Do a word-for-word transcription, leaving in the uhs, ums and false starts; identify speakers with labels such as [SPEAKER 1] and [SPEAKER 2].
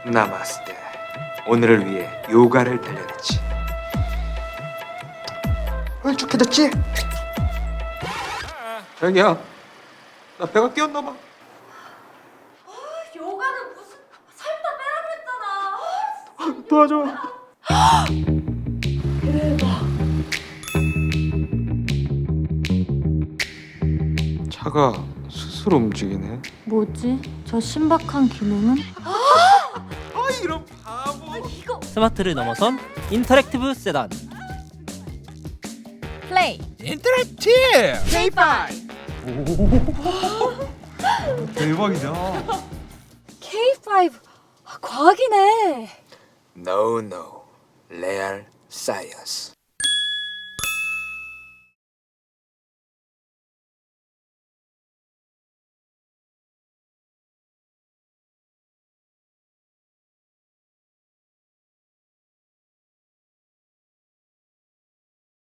[SPEAKER 1] 나마스테. 오늘을 위해 요가를 단련했지. 홀쭉해졌지? 자기야, 나 배가 끼었나 봐.
[SPEAKER 2] 요가는 무슨 살 다 빼라 그랬잖아.
[SPEAKER 1] 도와줘. 차가 스스로 움직이네.
[SPEAKER 2] 뭐지? 저 신박한 기능은?
[SPEAKER 1] 아, 이런 바보.
[SPEAKER 2] 이거
[SPEAKER 3] 스마트를 넘어선 인터랙티브 세단.
[SPEAKER 2] 플레이
[SPEAKER 4] 인터랙티브
[SPEAKER 2] 케이파이브
[SPEAKER 1] 대박이다.
[SPEAKER 2] 케이파이브 아, 과학이네.
[SPEAKER 1] No, no. 레알 사이언스.